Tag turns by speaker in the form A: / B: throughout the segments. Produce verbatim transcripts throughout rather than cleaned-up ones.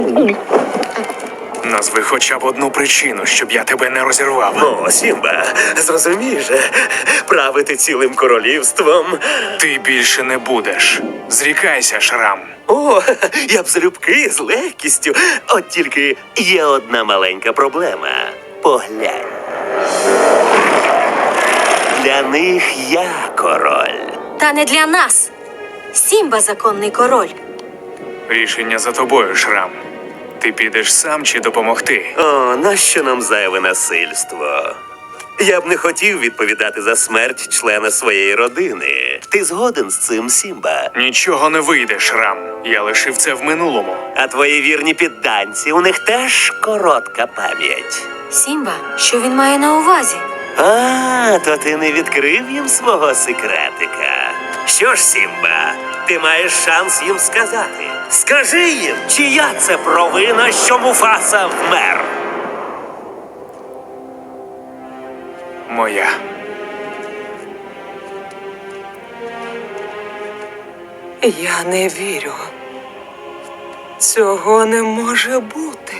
A: Назви хоча б одну причину, щоб я тебе не розірвав.
B: О, Сімба, зрозумій же, правити цілим королівством.
A: Ти більше не будеш. Зрікайся, Шрам.
B: О, я б залюбки з легкістю. От тільки є одна маленька проблема. Поглянь. Для них я король.
C: Та не для нас. Сімба законний король.
A: Рішення за тобою, Шрам. Ти підеш сам чи допомогти?
B: О, нащо нам зайве насильство? Я б не хотів відповідати за смерть члена своєї родини. Ти згоден з цим, Сімба?
A: Нічого не вийде, Шрам. Я лишив це в минулому.
B: А твої вірні підданці, у них теж коротка пам'ять.
C: Сімба, що він має на увазі?
B: А, то ти не відкрив їм свого секретика. Що ж, Сімба, ти маєш шанс їм сказати. Скажи їм, чия це провина, що Муфаса вмер?
A: Моя.
D: Я не вірю. Цього не може бути.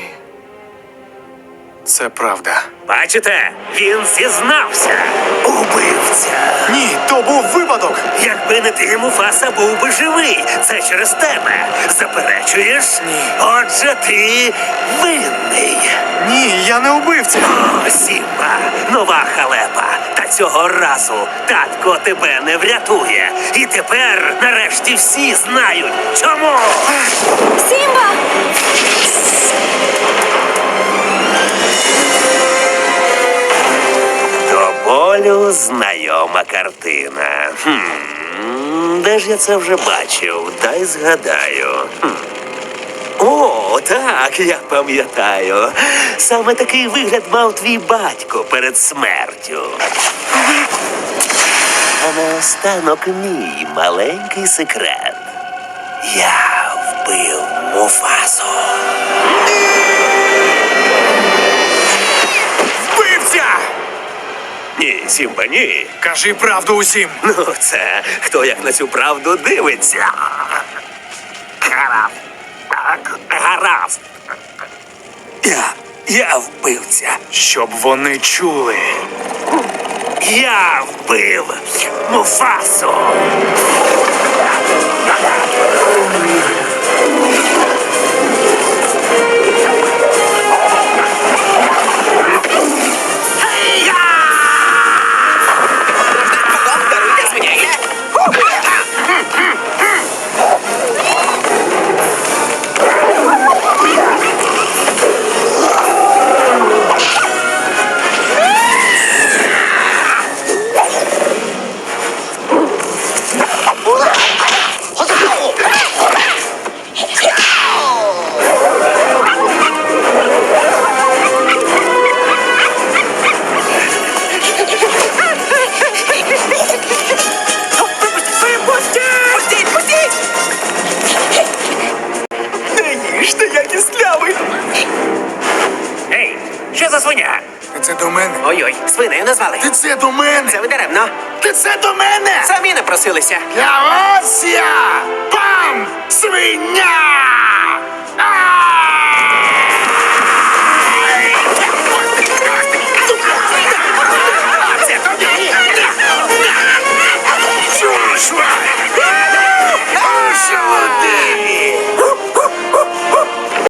A: Це правда.
B: Бачите, він зізнався. Убивця.
A: Ні, то був випадок.
B: Якби не ти, Муфаса був би живий. Це через тебе. Заперечуєш?
A: Ні.
B: Отже, ти винний.
A: Ні, я не убивця.
B: О, Сімба, нова халепа. Та цього разу татко тебе не врятує. І тепер, нарешті, всі знають, чому.
C: Сімба!
B: До болю знайома картина. Хм, де ж я це вже бачив? Дай згадаю. Хм. О, так, я пам'ятаю. Саме такий вигляд мав твій батько перед смертю. А наостанок мій маленький секрет. Я вбив Муфасу.
A: Вбивця!
B: Ні, Сімба, ні.
A: Кажи правду усім.
B: Ну, це хто як на цю правду дивиться. Гаразд. Гаразд. Я, я вбивця.
A: Щоб вони чули.
B: Я вбив Муфасу. Ей, що за свиня?
A: Це до мене.
E: Ой-ой, свинею назвали.
A: Ти це до мене.
E: Це ви даремно.
A: Ти це до мене.
E: Самі напросилися.
A: Я ось я! Пам! Свиня! А!